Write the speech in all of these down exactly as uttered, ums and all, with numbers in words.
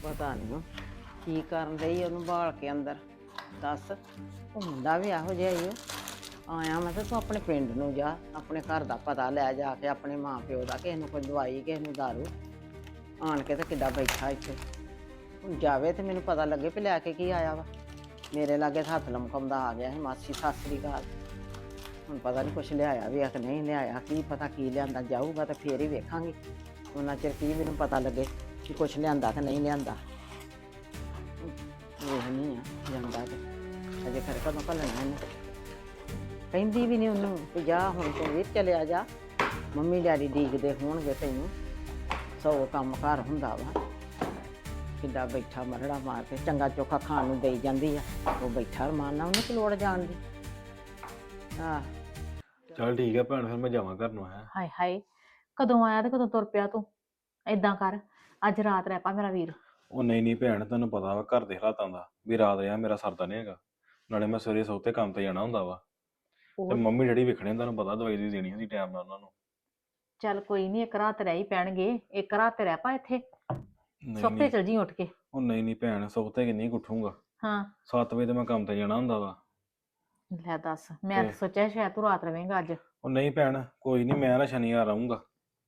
ਪਤਾ ਨਹੀਂ ਕੀ ਕਰਨ ਰਹੀ ਉਹਨੂੰ ਬਾਲ ਕੇ ਅੰਦਰ। ਦੱਸ ਉਹ ਮੁੰਡਾ ਵੀ ਇਹੋ ਜਿਹਾ ਹੀ ਉਹ ਆਇਆ। ਮੈਂ ਤਾਂ ਤੂੰ ਆਪਣੇ ਪਿੰਡ ਨੂੰ ਜਾ, ਆਪਣੇ ਘਰ ਦਾ ਪਤਾ ਲੈ ਜਾ ਕੇ, ਆਪਣੇ ਮਾਂ ਪਿਓ ਦਾ, ਕਿਸੇ ਨੂੰ ਕੋਈ ਦਵਾਈ, ਕਿਸੇ ਨੂੰ ਦਾਰੂ। ਆਣ ਕੇ ਤੇ ਕਿੱਦਾਂ ਬੈਠਾ ਇੱਥੇ। ਹੁਣ ਜਾਵੇ ਤੇ ਮੈਨੂੰ ਪਤਾ ਲੱਗੇ ਵੀ ਲੈ ਕੇ ਕੀ ਆਇਆ ਵਾ। ਮੇਰੇ ਲਾਗੇ ਹੱਥ ਲਮਕਾਉਂਦਾ ਆ ਗਿਆ ਸੀ, ਮਾਸੀ ਸਤਿ ਸ੍ਰੀ ਅਕਾਲ। ਹੁਣ ਪਤਾ ਨਹੀਂ ਕੁਛ ਲਿਆਇਆ ਵੀ ਆ ਕਿ ਨਹੀਂ ਲਿਆਇਆ, ਕੀ ਪਤਾ ਕੀ ਲਿਆਂਦਾ। ਜਾਊਗਾ ਤਾਂ ਫੇਰ ਹੀ ਵੇਖਾਂਗੀ। ਉਹਨਾਂ ਚਿਰ ਕੀ ਮੈਨੂੰ ਪਤਾ ਲੱਗੇ ਕਿ ਕੁਛ ਲਿਆਂਦਾ ਕਿ ਨਹੀਂ ਲਿਆਂਦਾ। ਵੇਖਣੀ ਆ ਜਾਂਦਾ ਤੇ ਅਜੇ ਖਰੇ ਕਦੋਂ ਘੱਲਣਾ ਇਹਨੂੰ। ਕਹਿੰਦੀ ਵੀ ਨਹੀਂ ਉਹਨੂੰ ਕਿ ਜਾ ਹੁਣ ਤੂੰ ਵੀ ਚਲਿਆ ਜਾ, ਮੰਮੀ ਡੈਡੀ ਡੀਕਦੇ ਹੋਣਗੇ ਤੈਨੂੰ। ਸੌ ਕੰਮ ਘਰ ਹੁੰਦਾ ਵਾ। ਕਿੱਦਾਂ ਬੈਠਾ ਮਰੜਾ ਮਾਰ ਕੇ, ਚੰਗਾ ਚੋਖਾ ਖਾਣ ਨੂੰ ਦੇਈ ਜਾਂਦੀ ਆ, ਉਹ ਬੈਠਾ ਰਮਾਨਾ, ਉਹਨੂੰ ਕੀ ਲੋੜ ਜਾਣ ਦੀ। ਆਹ ਚੱਲ ਠੀਕ ਹੈ ਭੈਣ, ਫਿਰ ਮੈਂ ਜਾਵਾਂ ਘਰ ਨੂੰ। ਹੈ ਹਾਏ ਹਾਏ, ਕਦੋਂ ਆਇਆ ਤੇ ਕਦੋਂ ਤੁਰ ਪਿਆ ਤੂੰ। ਏਦਾਂ ਕਰ, ਅੱਜ ਰਾਤ ਰਹਿ ਪਾ ਮੇਰਾ ਵੀਰ। ਉਹ ਨਹੀਂ ਨਹੀਂ ਭੈਣ, ਤੈਨੂੰ ਪਤਾ ਵਾ ਘਰ ਦੇ ਹਾਲਾਤਾਂ ਦਾ, ਵੀ ਰਾਤ ਰਿਹਾ ਮੇਰਾ ਸਰਦਾ ਨਹੀਂ ਹੈਗਾ। ਨਾਲੇ ਮੈਂ ਸਵੇਰੇ ਸੌਤੇ ਕੰਮ ਤੇ ਜਾਣਾ ਹੁੰਦਾ ਵਾ, ਤੇ ਮੰਮੀ ਡੈਡੀ ਵੇਖਣੇ, ਤੁਹਾਨੂੰ ਪਤਾ ਦਵਾਈ ਦੀ ਦੇਣੀ ਹੁੰਦੀ ਟਾਈਮ ਨਾਲ ਉਹਨਾਂ ਨੂੰ। ਚੱਲ ਕੋਈ ਨਹੀਂ, ਇੱਕ ਰਾਤ ਰਹਿ ਹੀ ਪੈਣਗੇ। ਇੱਕ ਰਾਤ ਤੇ ਰਹਿ ਪਾ ਇੱਥੇ, ਨਹੀਂ ਸੁੱਤੇ ਨਹੀਂ ਚਲ ਜੀ ਉੱਠ ਕੇ। ਉਹ ਨਹੀਂ ਨਹੀਂ ਭੈਣ, ਸੌਤੇ ਕਿੰਨੀ ਉੱਠੂਗਾ। ਹਾਂ ਸੱਤ ਵਜੇ ਤੇ ਮੈਂ ਕੰਮ ਤੇ ਜਾਣਾ ਹੁੰਦਾ ਵਾ। ਲੈ ਦੱਸ, ਮੈਂ ਤਾਂ ਸੋਚਿਆ ਸ਼ਾਇਦ ਤੂੰ ਰਾਤ ਰਵੇਂਗਾ ਅੱਜ। ਉਹ ਨਹੀਂ ਭੈਣ, ਕੋਈ ਨਹੀਂ, ਮੈਂ ਨਾ ਸ਼ਨੀਵਾਰ ਆਊਂਗਾ,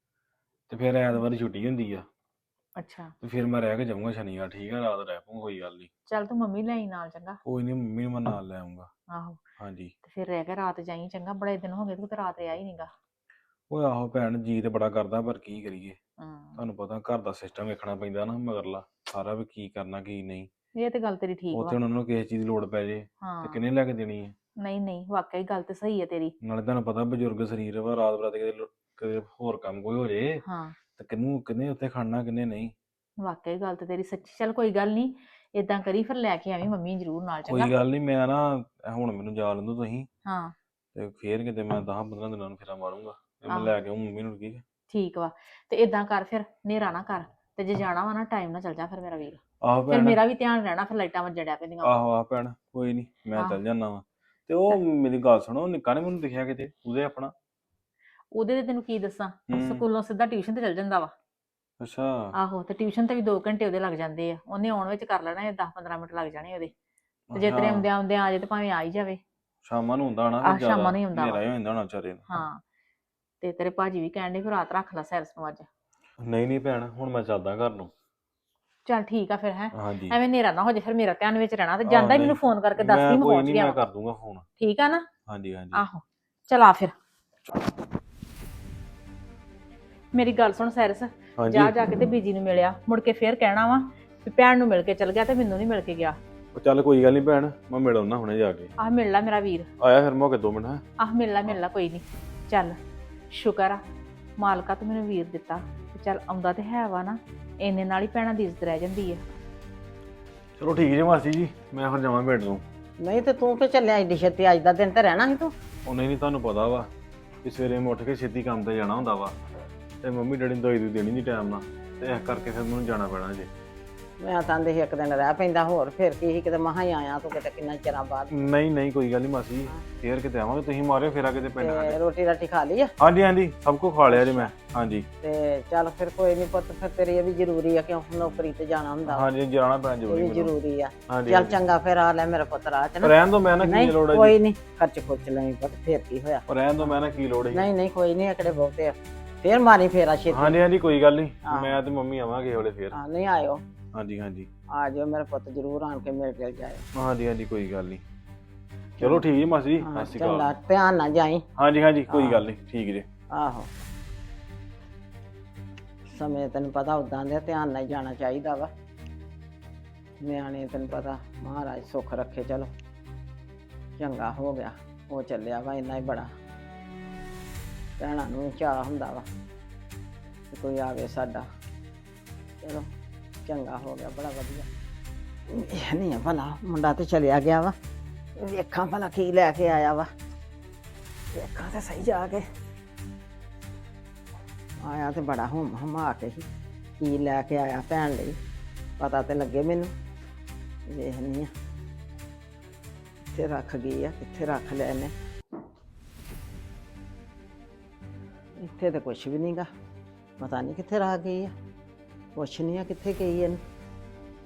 ਤੇ ਫਿਰ ਐਤਵਾਰ ਛੁੱਟੀ ਹੁੰਦੀ ਆ, ਅੱਛਾ ਤੇ ਫਿਰ ਮੈਂ ਰਹਿ ਕੇ ਜਾਊਂਗਾ ਸ਼ਨੀਵਾਰ। ਠੀਕ ਆ, ਰਾਤ ਰਹਿ ਪਊਂਗਾ, ਕੋਈ ਗੱਲ ਨਹੀਂ। ਚੱਲ ਤੂੰ ਮੰਮੀ ਲੈ ਆਈ ਨਾਲ, ਚੰਗਾ। ਕੋਈ ਨਹੀਂ, ਮੰਮੀ ਨੂੰ ਮੈਂ ਨਾਲ ਲੈ ਆਊਂਗਾ। ਆਹੋ, ਹਾਂਜੀ। ਤੇ ਫਿਰ ਰਹਿ ਕੇ ਰਾਤ ਜਾਈ, ਚੰਗਾ। ਬੜੇ ਦਿਨ ਹੋ ਗਏ ਤੂੰ ਤੇ ਰਾਤ ਰਿਹਾ ਹੀ ਨਹੀਂਗਾ। ਉਹ ਆਹੋ ਭੈਣ, ਜੀ ਤੇ ਬੜਾ ਕਰਦਾ, ਪਰ ਕੀ ਕਰੀਏ। ਹੂੰ, ਤੁਹਾਨੂੰ ਪਤਾ ਘਰ ਦਾ ਸਿਸਟਮ ਵੇਖਣਾ ਪੈਂਦਾ ਨਾ ਮਗਰਲਾ ਸਾਰਾ, ਵੀ ਕੀ ਕਰਨਾ ਕੀ ਨਹੀਂ। ਇਹ ਤੇ ਗੱਲ ਤੇਰੀ ਠੀਕ ਉੱਥੇ ਵਾ। ਹੁਣ ਉਹਨਾਂ ਨੂੰ ਕਿਸੇ ਚੀਜ਼ ਦੀ ਲੋੜ ਪੈ ਜੇ ਤੇ ਹਾਂ ਕਿਹਨੇ ਲੈ ਕੇ ਦੇਣੀ ਹੈ। ਨਹੀਂ ਨਹੀਂ, ਵਾਕਈ ਗੱਲ ਤੇ ਸਹੀ ਹੈ ਤੇਰੀ। ਨਾਲੇ ਤੁਹਾਨੂੰ ਪਤਾ ਬਜ਼ੁਰਗ ਸਰੀਰ ਵਾ, ਰਾਤ ਬਰਾਤ ਕਿਤੇ ਲੋ- ਕਿਤੇ ਹੋਰ ਕੰਮ ਕੋਈ ਹੋ ਜੇ ਹਾਂ ਤੇ ਕਿਹਨੂੰ ਕਿਹਨੇ ਉੱਥੇ ਖੜਨਾ, ਕਿਹਨੇ ਨਹੀਂ। ਵਾਕਈ ਗੱਲ ਤੇ ਤੇਰੀ ਸੱਚੀ। ਚੱਲ ਕੋਈ ਗੱਲ ਨਹੀਂ, ਏਦਾਂ ਕਰੀ ਫਿਰ ਲੈ ਕੇ ਆਵੀਂ ਮੰਮੀ ਜ਼ਰੂਰ ਨਾਲ, ਚੰਗਾ। ਕੋਈ ਗੱਲ ਨਹੀਂ, ਮੈਂ ਨਾ ਹੁਣ ਮੈਨੂੰ ਜਾ ਲੈਂਦੋ ਤੁਸੀਂ, ਹਾਂ ਤੇ ਫੇਰ ਕਿਤੇ ਮੈਂ ਦਸ ਪੰਦਰਾਂ ਦਿਨਾਂ ਨੂੰ ਫੇਰਾ ਮਾਰੂੰਗਾ, ਤੇ ਮੈਂ ਆਹੋ। ਲੈ ਕੇ ਆਊਂ ਮੰਮੀ ਨੂੰ। ਠੀਕ ਹੈ, ਠੀਕ ਵਾ। ਤੇ ਏਦਾਂ ਕਰ, ਫਿਰ ਹਨੇਰਾ ਨਾ ਕਰ, ਤੇ ਜੇ ਜਾਣਾ ਵਾ ਨਾ ਟਾਈਮ ਨਾਲ ਚੱਲ ਜਾ ਫਿਰ ਮੇਰਾ ਵੀਰ। ਆਹੋ ਫਿਰ ਭੈਣ। ਮੇਰਾ ਵੀ ਧਿਆਨ ਰਹਿਣਾ, ਫਿਰ ਲਾਈਟਾਂ ਵੱਜਣ ਡਿਆ ਪੈਂਦੀਆਂ ਵਾ। ਆਹੋ ਆਹ ਭੈਣ, ਕੋਈ ਨਹੀਂ, ਮੈਂ ਆਹ। ਚੱਲ ਜਾਣਾ ਵਾ। ਤੇ ਉਹ ਮੇਰੀ ਗੱਲ ਸੁਣੋ, ਨਿੱਕਾ ਨੇ ਮੈਨੂੰ ਦਿਖਿਆ ਕਿਤੇ ਉਹਦੇ ਆਪਣਾ। ਉਹਦੇ ਤੇ ਤੈਨੂੰ ਕੀ ਦੱਸਾਂ, ਹੂੰ। ਸਕੂਲੋਂ ਸਿੱਧਾ ਟਿਊਸ਼ਨ ਤੇ ਚੱਲ ਜਾਂਦਾ ਵਾ। ਅੱਛਾ। ਆਹੋ, ਤੇ ਟਿਊਸ਼ਨ ਤੇ ਵੀ ਦੋ ਘੰਟੇ ਉਹਦੇ ਲੱਗ ਜਾਂਦੇ ਆ। ਉਹਨੇ ਆਉਣ ਵਿੱਚ ਕਰ ਲੈਣਾ ਇਹ ਦਸ ਪੰਦਰਾਂ ਮਿੰਟ ਲੱਗ ਜਾਣੇ ਉਹਦੇ। ਤੇ ਜੇ ਤੇਰੇ ਅੱਛਾ, ਆਉਂਦਿਆਂ ਆਉਂਦਿਆਂ ਆ ਜਾਏ ਤੇ ਭਾਵੇਂ ਆ ਹੀ ਜਾਵੇ। ਸ਼ਾਮਾਂ ਨੂੰ ਹੁੰਦਾ ਹੋਣਾ ਆਹ, ਫਿਰ ਜ਼ਿਆਦਾ, ਸ਼ਾਮਾਂ ਨੂੰ ਹੀ ਹੁੰਦਾ ਵਾ। ਹਨੇਰਾ ਹੀ ਹੋ ਜਾਂਦਾ ਹੋਣਾ ਵਿਚਾਰੇ ਨੂੰ। ਹਾਂ, ਤੇ ਤੇਰੇ ਭਾਜੀ ਵੀ ਕਹਿਣ ਡੇ ਫਿਰ ਰਾਤ ਰੱਖ ਲੈ ਸੈਰਸ ਨੂੰ ਅੱਜ। ਨਹੀਂ ਨਹੀਂ ਭੈਣ, ਹੁਣ ਮੈਂ ਚੱਲਦਾ ਘਰ ਨੂੰ। ਚੱਲ ਠੀਕ ਆ ਫਿਰ, ਹੈ ਹਾਂਜੀ। ਐਵੇਂ ਹਨੇਰਾ ਨਾ ਹੋ ਜੇ, ਫਿਰ ਮੇਰਾ ਧਿਆਨ ਵਿੱਚ ਰਹਿਣਾ। ਤੇ ਆਹ, ਜਾਂਦਾ ਹੀ ਨਹੀਂ, ਮੈਨੂੰ ਫੋਨ ਕਰਕੇ ਦੱਸ ਮੈਂ ਦੀ, ਮੈਂ ਕੋਈ ਪਹੁੰਚ ਨਹੀਂ, ਗਿਆ ਮੈਂ ਵਾਂ। ਕਰ ਦੂੰਗਾ ਫੋਨ। ਠੀਕ ਆ ਨਾ। ਹਾਂਜੀ ਹਾਂਜੀ। ਆਹੋ, ਚਲ ਆ ਫਿਰ। ਮੇਰੀ ਗੱਲ ਸੁਣ ਸੈਰਸ, ਹਾਂਜੀ। ਜਾ ਜਾ ਕੇ ਤੇ ਬੀਜੀ ਨੂੰ ਮਿਲਿਆ, ਮੁੜ ਕੇ ਫੇਰ ਕਹਿਣਾ ਵਾ ਵੀ ਭੈਣ ਨੂੰ ਮਿਲ ਕੇ ਚਲ ਗਿਆ ਤੇ ਮੈਨੂੰ ਨਹੀਂ ਮਿਲ ਕੇ ਗਿਆ। ਉਹ ਚੱਲ ਕੋਈ ਗੱਲ ਨਹੀਂ ਭੈਣ, ਮੈਂ ਮਿਲ ਆਉਣਾ ਹੁਣੇ ਜਾ ਕੇ। ਆਹ ਮਿਲ ਲੈ ਮੇਰਾ ਵੀਰ। ਆਇਆ ਫਿਰ ਮੌਕੇ ਦੋ ਮਿੰਟ। ਹੈ ਆਹ ਮਿਲ ਲੈ ਮਿਲ ਲੈ, ਕੋਈ ਨਹੀਂ। ਚੱਲ ਸ਼ੁਕਰ ਆ ਮਾਲਕਾ ਤੂੰ ਮੈਨੂੰ ਵੀਰ ਦਿੱਤਾ। ਤੇ ਚੱਲ ਆਉਂਦਾ ਤੇ ਹੈ ਵਾ ਨਾ, ਇੰਨੇ ਨਾਲ ਹੀ ਭੈਣਾਂ ਦੀ ਇੱਜ਼ਤ ਰਹਿ ਜਾਂਦੀ ਆ। ਚਲੋ ਠੀਕ ਜੀ ਮਾਸੀ ਜੀ, ਮੈਂ ਫਿਰ ਜਾਵਾਂ ਪਿੰਡ ਨੂੰ। ਨਹੀਂ ਤੇ ਤੂੰ ਕਿ ਚੱਲਿਆ ਏਡੀ ਛੇਤੀ? ਅੱਜ ਦਾ ਦਿਨ ਤੇ ਰਹਿਣਾ ਸੀ ਤੂੰ। ਉਹ ਨਹੀਂ ਨਹੀਂ, ਤੁਹਾਨੂੰ ਪਤਾ ਵਾ ਕਿ ਸਵੇਰੇ ਮੈਂ ਉੱਠ ਕੇ ਛੇਤੀ ਕੰਮ ਤੇ ਜਾਣਾ ਹੁੰਦਾ ਵਾ, ਤੇ ਮੰਮੀ ਡੈਡੀ ਨੂੰ ਦਵਾਈ ਦੂਈ ਦੇਣੀ ਨਹੀਂ ਟਾਈਮ ਨਾਲ, ਤੇ ਇਸ ਕਰਕੇ ਫਿਰ ਮੈਨੂੰ ਜਾਣਾ ਪੈਣਾ ਜੇ। ਮੈਂ ਤਾਂ ਆਂਦੀ ਸੀ ਇੱਕ ਦਿਨ ਰਹਿ ਪੈਂਦਾ ਹੋਰ, ਫਿਰ ਕੀ ਸੀ, ਕਿਤੇ ਮਸਾਂ ਹੀ ਆਇਆ ਤੂੰ, ਕਿਤੇ ਕਿੰਨਾ ਚਿਰਾਂ ਬਾਅਦ। ਨਹੀਂ ਨਹੀਂ, ਕੋਈ ਗੱਲ ਨਹੀਂ ਮਾਸੀ ਜੀ, ਫੇਰ ਕਿਤੇ ਆਵਾਂਗੇ, ਤੁਸੀਂ ਮਾਰਿਓ ਫੇਰਾ ਕਿਤੇ ਪਿੰਡ ਤੇ ਸਾਡੇ। ਰੋਟੀ ਰਾਟੀ ਖਾ ਲਈ ਆ? ਹਾਂਜੀ ਹਾਂਜੀ, ਸਭ ਕੁਝ ਖਾ ਲਿਆ ਜੀ ਮੈਂ। ਹਾਂਜੀ ਤੇ ਚੱਲ ਫਿਰ ਕੋਈ ਨਹੀਂ ਪੁੱਤ, ਫਿਰ ਤੇਰੀ ਇਹ ਵੀ ਜ਼ਰੂਰੀ ਆ, ਕਿਉਂ ਨੌਕਰੀ ਤੇ ਜਾਣਾ ਹੁੰਦਾ ਵਾ। ਹਾਂਜੀ, ਜਾਣਾ ਪੈਣਾ ਇਹ ਜ਼ਰੂਰੀ ਵੀ ਮੈਨੂੰ। ਜ਼ਰੂਰੀ ਆ। ਹਾਂਜੀ ਚੱਲ ਚੰਗਾ, ਫਿਰ ਆ ਲੈ ਮੇਰਾ ਪੁੱਤ ਰਾਹ ਚ ਨਾ। ਰਹਿਣ ਦੋ, ਮੈਂ ਨਾ ਕੀ ਨਹੀਂ ਲੋੜ ਹੈ ਕੋਈ ਜੀ। ਨਹੀਂ, ਖਰਚ ਖੁਰਚ ਲਈ ਪੁੱਤ, ਫਿਰ ਕੀ ਹੋਇਆ। ਰਹਿਣ ਦੋ, ਮੈਂ ਨਾ ਕੀ ਲੋੜ ਹੈ। ਨਹੀਂ ਨਹੀਂ ਕੋਈ ਨਹੀਂ, ਇਕੜੇ ਬਹੁਤੇ ਆ, ਫਿਰ ਮਾਰੀ ਫੇਰਾ ਛੇਤੀ। ਹਾਂਜੀ ਹਾਂਜੀ, ਕੋਈ ਗੱਲ ਨਹੀਂ, ਹਾਂ। ਮੈਂ ਤੇ ਮੰਮੀ ਆਵਾਂਗੇ ਹੌਲੇ ਫੇਰ। ਹਾਂ ਨਹੀਂ ਆਇਓ, ਹਾਂਜੀ ਹਾਂਜੀ। ਆ ਜਾਓ ਮੇਰੇ ਪੁੱਤ, ਜ਼ਰੂਰ ਆਣ ਕੇ ਮਿਲ ਕੇ ਜਾਇਓ। ਹਾਂਜੀ ਹਾਂਜੀ, ਕੋਈ ਗੱਲ ਨਹੀਂ। ਚਲੋ ਠੀਕ ਜੀ ਮਾਸੀ ਜੀ, ਹਾਂ, ਸਤਿ ਸ਼੍ਰੀ ਚੰਗਾ, ਅਕਾਲ। ਧਿਆਨ ਨਾਲ ਜਾਈ। ਹਾਂਜੀ ਹਾਂਜੀ, ਕੋਈ ਹਾਂ। ਗੱਲ ਨਹੀਂ, ਠੀਕ ਜੀ। ਆਹੋ, ਸਮੇਂ ਤੈਨੂੰ ਪਤਾ ਉਦਾਂ ਦੇ, ਧਿਆਨ ਨਾਲ ਜਾਣਾ ਚਾਹੀਦਾ ਵਾ। ਨਿਆਣੇ ਤੈਨੂੰ ਪਤਾ ਮਹਾਰਾਜ ਸੁੱਖ ਰੱਖੇ। ਚਲੋ ਚੰਗਾ ਹੋ ਗਿਆ, ਉਹ ਚੱਲਿਆ ਵਾ, ਇੰਨਾ ਹੀ ਬੜਾ। ਭੈਣਾਂ ਨੂੰ ਵੀ ਚਾਅ ਹੁੰਦਾ ਵਾ ਕਿ ਕੋਈ ਆਵੇ ਸਾਡਾ। ਚਲੋ ਚੰਗਾ ਹੋ ਗਿਆ, ਬੜਾ ਵਧੀਆ। ਇਹ ਨਹੀਂ ਆ ਭਲਾ, ਮੁੰਡਾ ਤੇ ਚਲਿਆ ਗਿਆ ਵਾ, ਵੇਖਾਂ ਭਲਾ ਕੀ ਲੈ ਕੇ ਆਇਆ ਵਾ। ਵੇਖਾਂ ਤੇ ਸਹੀ ਜਾ ਕੇ। ਆਇਆ ਤੇ ਬੜਾ ਹੁਮ ਹਮਾ ਕੇ ਹੀ, ਕੀ ਲੈ ਕੇ ਆਇਆ ਭੈਣ ਲਈ, ਪਤਾ ਤੇ ਲੱਗੇ ਮੈਨੂੰ। ਵੇਖਨੀ ਆ ਕਿੱਥੇ ਰੱਖ ਗਈ ਆ, ਕਿੱਥੇ ਰੱਖ ਲਿਆ ਇਹਨੇ। ਇੱਥੇ ਤਾਂ ਕੁਛ ਵੀ ਨਹੀਂਗਾ, ਪਤਾ ਨਹੀਂ ਕਿੱਥੇ ਰੱਖ ਗਈ ਆ। ਕੁਛ ਨਹੀਂ ਆ, ਕਿੱਥੇ ਗਈ ਇਹਨੂੰ।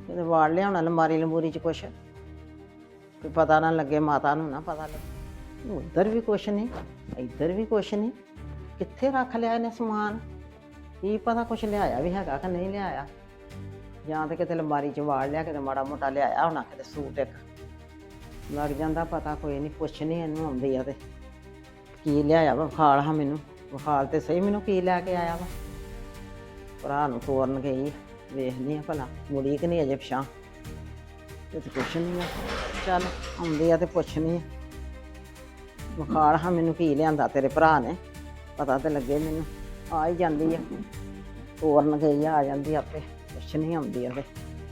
ਕਿਤੇ ਵਾੜ ਲਿਆਉਣਾ ਲੰਬਾਰੀ ਲੰਬੂਰੀ ਚ ਕੁਛ, ਕੋਈ ਪਤਾ ਨਾ ਲੱਗੇ, ਮਾਤਾ ਨੂੰ ਨਾ ਪਤਾ ਲੱਗੇ। ਉੱਧਰ ਵੀ ਕੁਛ ਨਹੀਂ, ਇੱਧਰ ਵੀ ਕੁਛ ਨਹੀਂ, ਕਿੱਥੇ ਰੱਖ ਲਿਆ ਇਹਨੇ ਸਮਾਨ? ਕੀ ਪਤਾ ਕੁਛ ਲਿਆਇਆ ਵੀ ਹੈਗਾ ਕਿ ਨਹੀਂ ਲਿਆਇਆ, ਜਾਂ ਤੇ ਕਿਤੇ ਲੰਬਾਰੀ ਚ ਵਾੜ ਲਿਆ, ਕਿਤੇ ਮਾੜਾ ਮੋਟਾ ਲਿਆਇਆ ਹੋਣਾ, ਕਿਤੇ ਸੂਟ ਇੱਕ ਲੱਗ ਜਾਂਦਾ ਪਤਾ। ਕੋਈ ਨਹੀਂ, ਪੁੱਛਣੀ ਇਹਨੂੰ ਆਉਂਦੀ ਆ ਤੇ ਕੀ ਲਿਆਇਆ ਵਾ, ਵਿਖਾਲ ਹਾਂ ਮੈਨੂੰ, ਵਿਖਾਲ ਤੇ ਸਹੀ ਮੈਨੂੰ ਕੀ ਲੈ ਕੇ ਆਇਆ ਵਾ। ਭਰਾ ਨੂੰ ਤੋਰਨ ਗਈ, ਵੇਖਦੀ ਆ ਭਲਾ ਮੁੜੀ ਕਿ ਨਹੀਂ ਅਜੇ ਪਿਛਾਂ, ਇਹ ਤੇ ਕੁਛ ਨਹੀਂ ਆ। ਚੱਲ ਆਉਂਦੀ ਆ ਤੇ ਪੁੱਛਣੀ ਆ, ਵਿਖਾਲ ਹਾਂ ਮੈਨੂੰ ਕੀ ਲਿਆਂਦਾ ਤੇਰੇ ਭਰਾ ਨੇ, ਪਤਾ ਤੇ ਲੱਗੇ ਮੈਨੂੰ। ਆ ਹੀ ਜਾਂਦੀ ਆ, ਤੋਰਨ ਗਈ ਆ, ਆ ਜਾਂਦੀ ਆਪੇ, ਪੁੱਛਣੀ ਆਉਂਦੀ ਆ ਤੇ।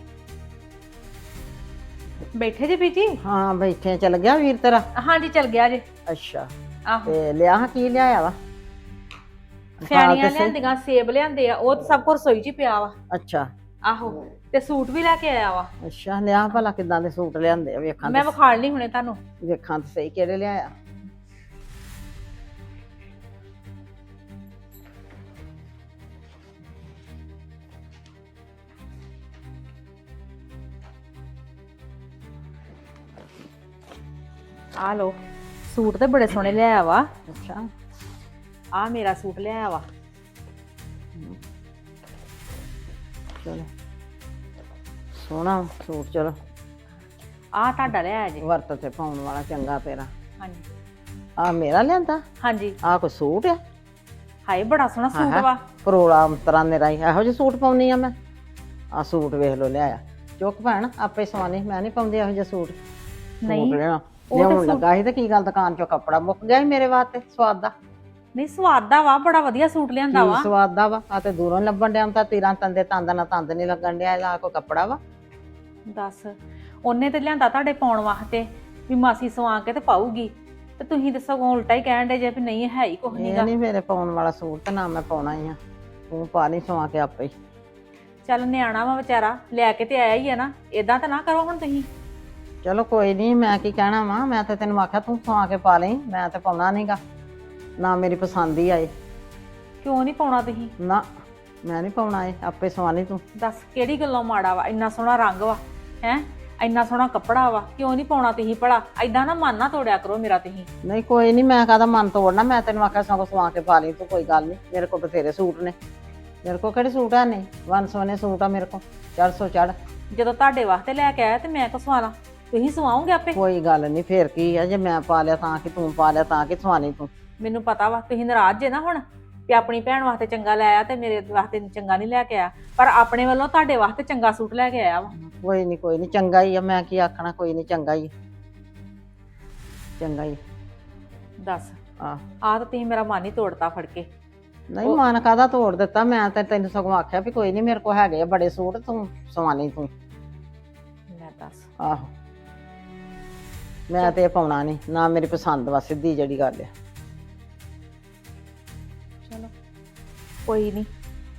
ਬੈਠੇ ਜੇ ਬੀਜੀ? ਹਾਂ ਬੈਠੇ। ਚੱਲ ਗਿਆ ਵੀਰ ਤੇਰਾ? ਹਾਂਜੀ ਚਲ ਗਿਆ ਜੇ। ਅੱਛਾ, ਆਹੋ ਤੇ ਲਿਆ ਹਾਂ ਕੀ ਲਿਆਇਆ ਵਾ? ਸਿਆਣੀਆਂ ਲਿਆਂਦੀਆਂ, ਸੇਬ ਲਿਆਂਦੇ ਆ, ਉਹ ਤਾਂ ਸਭ ਕੁਝ ਰਸੋਈ 'ਚ ਹੀ ਪਿਆ ਵਾ। ਅੱਛਾ ਆਹੋ, ਤੇ ਸੂਟ ਵੀ ਲੈ ਕੇ ਆਇਆ ਵਾ। ਅੱਛਾ, ਲਿਆ ਭਲਾ ਕਿੱਦਾਂ ਦੇ ਸੂਟ ਲਿਆਂਦੇ ਆ, ਵੇਖਾਂ ਮੈਂ ਤੇ- ਵਿਖਾਲ ਨਹੀਂ ਹੁਣੇ ਤੁਹਾਨੂੰ। ਵੇਖਾਂ ਤੇ ਸਹੀ ਕਿਹੜੇ ਲਿਆਇਆ। ਆ ਲੋ, ਸੂਟ ਤੇ ਬੜੇ ਸੋਹਣੇ ਲਿਆਇਆ ਵਾ। ਅੱਛਾ, ਆ ਮੇਰਾ ਸੂਟ ਲਿਆਇਆ ਵਾ। ਚਲੋ ਸੋਹਣਾ ਸੂਟ, ਚਲੋ ਆ ਤੁਹਾਡਾ ਲਿਆਇਆ ਜੀ। ਵਰਤ ਤੇ ਪਾਉਣ ਵਾਲਾ ਚੰਗਾ ਤੇਰਾ। ਹਾਂਜੀ ਆ ਮੇਰਾ ਲਿਆਂਦਾ? ਹਾਂਜੀ। ਆ ਕੋਈ ਸੂਟ ਆ? ਹਾਏ ਬੜਾ ਸੋਹਣਾ ਸੂਟ ਆਹਾ, ਵਾ। ਪਰੋਲਾ ਅੰਤਰਾਂ ਨੇ ਰਾਈ ਇਹੋ ਜਿਹੇ ਸੂਟ ਪਾਉਣੀ ਆ ਮੈਂ? ਆ ਸੂਟ ਵੇਖ ਲੋ ਲਿਆਇਆ, ਚੁੱਕ ਭੈਣ ਆਪੇ ਸਵਾਨੀ, ਮੈਂ ਨਹੀਂ ਪਾਉਂਦੀ ਇਹੋ ਜਿਹੇ ਸੂਟ। ਨਹੀਂ, ਸੂਟ ਲਿਆ ਉਹ ਤੇ ਲਿਆਉਣ ਸੂਟ- ਲੱਗਾ ਸੀ ਤੇ ਕੀ ਗੱਲ, ਦੁਕਾਨ ਚੋਂ ਕੱਪੜਾ ਮੁੱਕ ਗਿਆ ਸੀ ਮੇਰੇ ਵਾਸਤੇ ਸਵਾਦ ਦਾ। ਨਹੀਂ ਸਵਾਦ ਦਾ ਵਾ, ਬੜਾ ਵਧੀਆ ਸੂਟ ਲਿਆਂਦਾ ਕੀ ਵਾ। ਸਵਾਦ ਦਾ ਵਾ? ਆ ਤੇ ਦੂਰੋਂ ਲੱਭਣ ਡਿਆ, ਤਾਂ ਤੀਰਾਂ ਤੰਦੇ ਤੰਦ ਨਾ ਤੰਦ ਨਹੀਂ ਲੱਗਣ ਡਿਆ, ਇਹਦਾ ਕੋਈ ਕੱਪੜਾ ਵਾ? ਦੱਸ, ਉਹਨੇ ਤੇ ਲਿਆਂਦਾ ਤੁਹਾਡੇ ਪਾਉਣ ਵਾਸਤੇ ਵੀ ਮਾਸੀ ਸਵਾ ਕੇ ਤੇ ਪਾਊਗੀ, ਤੇ ਤੁਸੀਂ ਤੇ ਸਗੋਂ ਉਲਟਾ ਹੀ ਕਹਿਣ ਡੇ ਜੇ ਵੀ ਨਹੀਂ ਹੈ ਹੀ ਕੁਝ ਇਹ ਨਹੀਂਗਾ। ਨਹੀਂ ਮੇਰੇ ਪਾਉਣ ਵਾਲਾ ਸੂਟ, ਤੇ ਨਾ ਮੈਂ ਪਾਉਣਾ ਹੀ ਆ, ਤੂੰ ਪਾ ਨਹੀਂ ਸਵਾ ਕੇ ਆਪੇ ਹੀ। ਚੱਲ ਨਿਆਣਾ ਵਾ ਵਿਚਾਰਾ, ਲੈ ਕੇ ਤੇ ਆਇਆ ਹੀ ਆ ਨਾ, ਏਦਾਂ ਤਾਂ ਨਾ ਕਰੋ ਹੁਣ ਤੁਸੀਂ। ਚਲੋ ਕੋਈ ਨਹੀਂ, ਮੈਂ ਕੀ ਕਹਿਣਾ ਵਾ, ਮੈਂ ਤੇ ਤੈਨੂੰ ਆਖਿਆ ਤੂੰ ਸਵਾ ਕੇ ਪਾ ਲਈ, ਮੈਂ ਤੇ ਪਾਉਣਾ ਨਹੀਂਗਾ, ਨਾ ਮੇਰੀ ਪਸੰਦ ਹੀ ਆਏ। ਕਿਉਂ ਨਹੀਂ ਪਾਉਣਾ ਤੁਸੀਂ? ਨਾ ਮੈਂ ਨਹੀਂ ਪਾਉਣਾ, ਇਹ ਆਪੇ ਸਵਾ ਲਈ ਤੂੰ। ਦੱਸ ਕਿਹੜੀ ਗੱਲੋਂ ਮਾੜਾ ਵਾ? ਇੰਨਾ ਸੋਹਣਾ ਰੰਗ ਵਾ, ਹੈ ਇੰਨਾ ਸੋਹਣਾ ਕੱਪੜਾ ਵਾ, ਕਿਉਂ ਨਹੀਂ ਪਾਉਣਾ ਤੁਸੀਂ ਭਲਾ? ਏਦਾਂ ਨਾ ਮਨ ਨਾ ਤੋੜਿਆ ਕਰੋ ਮੇਰਾ ਤੁਸੀਂ। ਨਹੀਂ ਕੋਈ ਨਹੀਂ, ਮੈਂ ਕਾਹਦਾ ਮਨ ਤੋੜਨਾ, ਮੈਂ ਤੈਨੂੰ ਆਖਿਆ ਸਗੋਂ ਸਵਾ ਕੇ ਪਾ ਲਈ ਤੂੰ, ਕੋਈ ਗੱਲ ਨਹੀਂ, ਮੇਰੇ ਕੋਲ ਬਥੇਰੇ ਸੂਟ ਨੇ। ਮੇਰੇ ਕੋਲ ਕਿਹੜੇ ਸੂਟ ਆ ਨੇ? ਵਨ ਸੋਨੇ ਸੂਟ ਆ ਮੇਰੇ ਕੋਲ, ਚਾਰ ਸੌ ਚੜ। ਜਦੋਂ ਤੁਹਾਡੇ ਵਾਸਤੇ ਲੈ ਕੇ ਆਇਆ ਤੇ ਮੈਂ ਕਿਉਂ ਸਵਾਲਾਂ? ਤੁਸੀਂ ਸਵਾਓਗੇ ਆਪੇ। ਕੋਈ ਗੱਲ ਨਹੀਂ, ਫੇਰ ਕੀ ਆ, ਜੇ ਮੈਂ ਪਾ ਲਿਆ ਤਾਂ ਕਿ ਤੂੰ ਪਾ ਲਿਆ ਤਾਂ ਕਿ ਸਵਾਨੀ ਤੂੰ। ਮੈਨੂੰ ਪਤਾ ਵਾ ਤੁਸੀਂ ਨਾਰਾਜ਼ ਜੇ ਨਾ ਹੁਣ ਵੀ ਆਪਣੀ ਭੈਣ ਵਾਸਤੇ ਚੰਗਾ ਲੈ ਆਇਆ ਤੇ ਮੇਰੇ ਵਾਸਤੇ ਚੰਗਾ ਨਹੀਂ ਲੈ ਕੇ ਆਇਆ, ਪਰ ਆਪਣੇ ਵੱਲੋਂ ਤੁਹਾਡੇ ਵਾਸਤੇ ਚੰਗਾ ਸੂਟ ਲੈ ਕੇ ਆਇਆ ਵਾ। ਕੋਈ ਨਹੀਂ ਕੋਈ ਨਹੀਂ, ਚੰਗਾ ਹੀ ਆ, ਮੈਂ ਕੀ ਆਖਣਾ, ਕੋਈ ਨਹੀਂ, ਚੰਗਾ ਹੀ ਚੰਗਾ ਹੀ। ਦੱਸ, ਆ ਆਹ ਤਾਂ ਤੁਸੀਂ ਮੇਰਾ ਮਨ ਹੀ ਤੋੜਤਾ ਫੜ ਕੇ। ਨਹੀਂ ਮਨ ਕਾਹਦਾ ਤੋੜ ਦਿੱਤਾ, ਮੈਂ ਤਾਂ ਤੈਨੂੰ ਸਗੋਂ ਆਖਿਆ ਵੀ ਕੋਈ ਨਹੀਂ, ਮੇਰੇ ਕੋਲ ਹੈਗੇ ਆ ਬੜੇ ਸੂਟ, ਤੂੰ ਸਵਾਨੀ ਤੂੰ। ਲੈ ਦੱਸ, ਆਹੋ, ਮੈਂ ਤੇ ਇਹ ਪਾਉਣਾ ਨਹੀਂ, ਨਾ ਮੇਰੀ ਪਸੰਦ ਵਾ, ਸਿੱਧੀ ਜਿਹੜੀ ਗੱਲ ਆ। ਚਲੋ ਕੋਈ ਨਹੀਂ।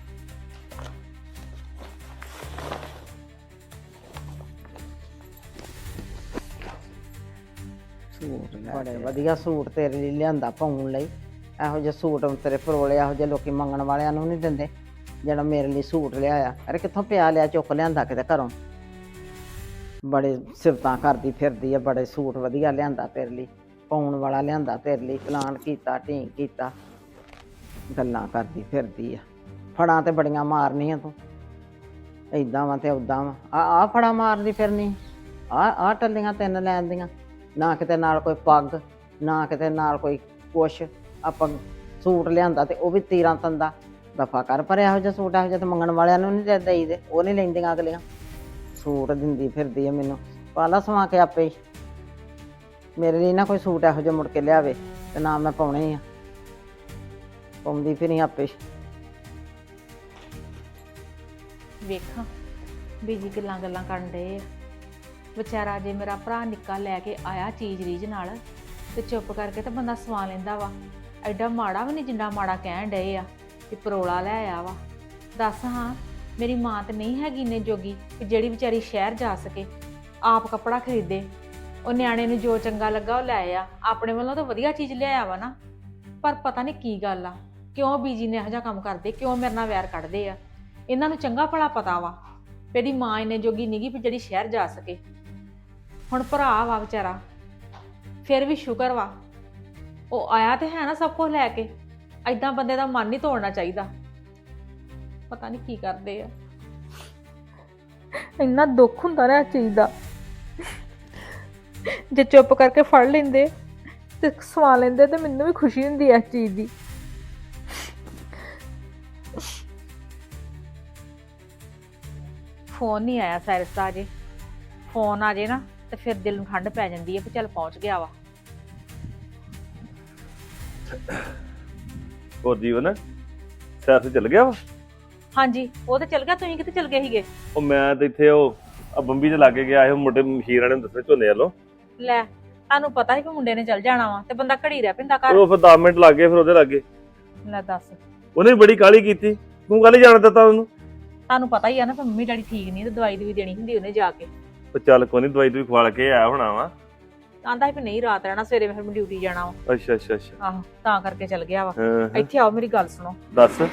ਸੂਟ ਬੜੇ ਵਧੀਆ ਸੂਟ ਤੇਰੇ ਲਈ ਲਿਆਂਦਾ ਪਾਉਣ ਲਈ, ਇਹੋ ਜਿਹੇ ਸੂਟ ਤੇਰੇ ਪਰੋਲੇ ਇਹੋ ਜਿਹੇ ਲੋਕੀ ਮੰਗਣ ਵਾਲਿਆਂ ਨੂੰ ਨਹੀਂ ਦਿੰਦੇ, ਜਿਹੜਾ ਮੇਰੇ ਲਈ ਸੂਟ ਲਿਆਇਆ। ਅਰੇ ਕਿੱਥੋਂ ਪਿਆ ਲਿਆ, ਚੁੱਕ ਲਿਆਂਦਾ ਕਿਤੇ ਘਰੋਂ, ਬੜੇ ਸਿਫਤਾਂ ਕਰਦੀ ਫਿਰਦੀ ਆ, ਬੜੇ ਸੂਟ ਵਧੀਆ ਲਿਆਂਦਾ ਤੇਰੇ ਲਈ, ਪਾਉਣ ਵਾਲਾ ਲਿਆਂਦਾ ਤੇਰੇ ਲਈ, ਪਲਾਨ ਕੀਤਾ, ਢੀਂਗ ਕੀਤਾ, ਗੱਲਾਂ ਕਰਦੀ ਫਿਰਦੀ ਆ। ਫੜਾਂ ਤੇ ਬੜੀਆਂ ਮਾਰਨੀਆਂ ਤੂੰ, ਏਦਾਂ ਵਾ ਤੇ ਉਦਾਂ ਵਾ, ਆ ਆ ਫੜਾ ਮਾਰਦੀ ਫਿਰਨੀ, ਆ ਆ ਟੱਲੀਆਂ ਤਿੰਨ ਲੈਣ ਦੀਆਂ, ਨਾ ਕਿਤੇ ਨਾਲ ਕੋਈ ਪੱਗ, ਨਾ ਕਿਤੇ ਨਾਲ ਕੋਈ ਕੁਛ। ਆਪਾਂ ਸੂਟ ਲਿਆਂਦਾ ਤੇ ਉਹ ਵੀ ਤੀਰਾਂ ਤੰਦਾ, ਦਫਾ ਕਰ ਪਰ ਇਹੋ ਜਿਹਾ ਸੂਟ ਇਹੋ ਜਿਹਾ ਤਾਂ ਮੰਗਣ ਵਾਲਿਆਂ ਨੂੰ ਨਹੀਂ ਦੇਈ ਦੇ, ਉਹ ਨਹੀਂ ਲੈਂਦੀਆਂ ਅਗਲੀਆਂ। ਸੂਟ ਦਿੰਦੀ ਫਿਰਦੀ ਆ ਮੈਨੂੰ, ਪਾਲਾ ਸਵਾ ਕੇ ਆਪੇ ਹੀ। ਮੇਰੇ ਲਈ ਨਾ ਕੋਈ ਸੂਟ ਇਹੋ ਜਿਹਾ ਮੁੜ ਕੇ ਲਿਆਵੇ ਤੇ ਨਾ ਮੈਂ ਪਾਉਣੇ ਆ, ਪਾਉਂਦੀ ਫਿਰੀ ਆਪੇ। ਵੇਖਾਂ ਬੀਜੀ ਗੱਲਾਂ ਗੱਲਾਂ ਕਰਨ ਡਏ ਆ। ਵਿਚਾਰਾ ਜੇ ਮੇਰਾ ਭਰਾ ਨਿੱਕਾ ਲੈ ਕੇ ਆਇਆ ਚੀਜ਼ ਰੀਝ ਨਾਲ ਤੇ ਚੁੱਪ ਕਰਕੇ ਤਾਂ ਬੰਦਾ ਸਵਾ ਲੈਂਦਾ ਵਾ। ਐਡਾ ਮਾੜਾ ਵੀ ਨਹੀਂ ਜਿੰਨਾ ਮਾੜਾ ਕਹਿਣ ਡਏ ਆ ਕਿ ਪਰੋਲਾ ਲੈ ਆਇਆ ਵਾ। ਦੱਸ ਹਾਂ, ਮੇਰੀ ਮਾਂ ਤੇ ਨਹੀਂ ਹੈਗੀ ਇੰਨੇ ਜੋਗੀ ਕਿ ਜਿਹੜੀ ਵਿਚਾਰੀ ਸ਼ਹਿਰ ਜਾ ਸਕੇ, ਆਪ ਕੱਪੜਾ ਖਰੀਦੇ। ਉਹ ਨਿਆਣੇ ਨੂੰ ਜੋ ਚੰਗਾ ਲੱਗਾ ਉਹ ਲੈ ਆ, ਆਪਣੇ ਵੱਲੋਂ ਤਾਂ ਵਧੀਆ ਚੀਜ਼ ਲਿਆਇਆ ਵਾ ਨਾ। ਪਰ ਪਤਾ ਨਹੀਂ ਕੀ ਗੱਲ ਆ, ਕਿਉਂ ਬੀਜੀ ਨੇ ਇਹੋ ਜਿਹਾ ਕੰਮ ਕਰਦੇ, ਕਿਉਂ ਮੇਰੇ ਨਾਲ ਵੈਰ ਕੱਢਦੇ ਆ। ਇਹਨਾਂ ਨੂੰ ਚੰਗਾ ਭਲਾ ਪਤਾ ਵਾ ਵੀ ਇਹਦੀ ਮਾਂ ਇੰਨੇ ਜੋਗੀ ਨੀਗੀ ਵੀ ਜਿਹੜੀ ਸ਼ਹਿਰ ਜਾ ਸਕੇ। ਹੁਣ ਭਰਾ ਵਾ ਵਿਚਾਰਾ, ਫਿਰ ਵੀ ਸ਼ੁਕਰ ਵਾ ਉਹ ਆਇਆ ਤੇ ਹੈ ਨਾ ਸਭ ਕੁਝ ਲੈ ਕੇ। ਐਦਾਂ ਬੰਦੇ ਦਾ ਮਨ ਨਹੀਂ ਤੋੜਨਾ ਚਾਹੀਦਾ। ਪਤਾ ਨਹੀਂ ਕੀ ਕਰਦੇ ਆ, ਇੰਨਾ ਦੁੱਖ ਹੁੰਦਾ ਨਾ ਇਸ ਚੀਜ਼ ਦਾ। ਜੇ ਚੁੱਪ ਕਰਕੇ ਫੜ ਲੈਂਦੇ ਤੇ ਸਵਾ ਲੈਂਦੇ ਤੇ ਮੈਨੂੰ ਵੀ ਖੁਸ਼ੀ ਹੁੰਦੀ ਇਸ ਚੀਜ਼ ਦੀ। ਫੋਨ ਨਹੀਂ ਆਇਆ ਸਾਇਰਸ ਦਾ ਅਜੇ। ਫੋਨ ਆ ਜੇ ਨਾ ਤੇ ਫਿਰ ਦਿਲ ਨੂੰ ਠੰਡ ਪੈ ਜਾਂਦੀ ਹੈ ਵੀ ਚੱਲ ਪਹੁੰਚ ਗਿਆ ਵਾ। ਹੋਰ ਜੀਵਨ ਸੈਰ ਤੇ ਚੱਲ ਗਿਆ ਵਾ? ਹਾਂਜੀ ਉਹ ਤੇ ਚਲ ਗਿਆ। ਤੁਸੀਂ ਕਿੱਥੇ ਚਲ ਗਏ ਸੀਗੇ? ਉਹ ਮੈਂ ਤੇ ਇੱਥੇ ਉਹ ਆ ਬੰਬੀ ਦੇ ਲਾਗੇ ਗਿਆ ਸੀ, ਮੁੰਡੇ ਮਸ਼ੀਰ ਵਾਲੇ ਨੂੰ ਦੱਸਿਆ ਝੋਨੇ ਵੱਲੋਂ। ਲੈ ਤੁਹਾਨੂੰ ਪਤਾ ਸੀ ਕਿ ਮੁੰਡੇ ਨੇ ਚਲ ਜਾਣਾ ਵਾ ਤੇ ਬੰਦਾ ਘੜੀ ਰਹਿ ਪੈਂਦਾ ਘਰ। ਉਹ ਫਿਰ ਦਸ ਮਿੰਟ ਲੱਗ ਗਏ ਫਿਰ ਉਹਦੇ ਲਾਗੇ। ਲੈ ਦੱਸ, ਉਹਨੇ ਬੜੀ ਕਾਹਲੀ ਕੀਤੀ, ਤੂੰ ਕੱਲ ਹੀ ਜਾਣ ਦਿੱਤਾ ਉਹਨੂੰ। ਤੁਹਾਨੂੰ ਪਤਾ ਹੀ ਆ ਨਾ ਮੰਮੀ ਡੈਡੀ ਠੀਕ ਨਹੀਂ ਤੇ ਦਵਾਈ ਦੀ ਵੀ ਦੇਣੀ ਹੁੰਦੀ ਉਹਨੇ ਜਾ ਕੇ। ਉਹ ਚੱਲ ਕੋਈ ਨੀ, ਦਵਾਈ ਦੂਈ ਖਵਾ ਕੇ ਆਇਆ ਹੋਣਾ ਵਾ। ਆਂਦਾ ਸੀ ਵੀ ਨਹੀਂ ਰਾਤ ਰਹਿਣਾ, ਸਵੇਰੇ ਫਿਰ ਮੈਂ ਡਿਊਟੀ ਜਾਣਾ ਵਾ। ਅੱਛਾ ਅੱਛਾ ਅੱਛਾ ਆਹੋ ਤਾਂ ਕਰਕੇ ਚਲ ਗਿਆ ਵਾ। ਹਾਂ ਹਾਂ, ਇੱਥੇ ਆਓ ਮੇਰੀ ਗੱਲ ਸੁਣੋ। ਦੱਸ।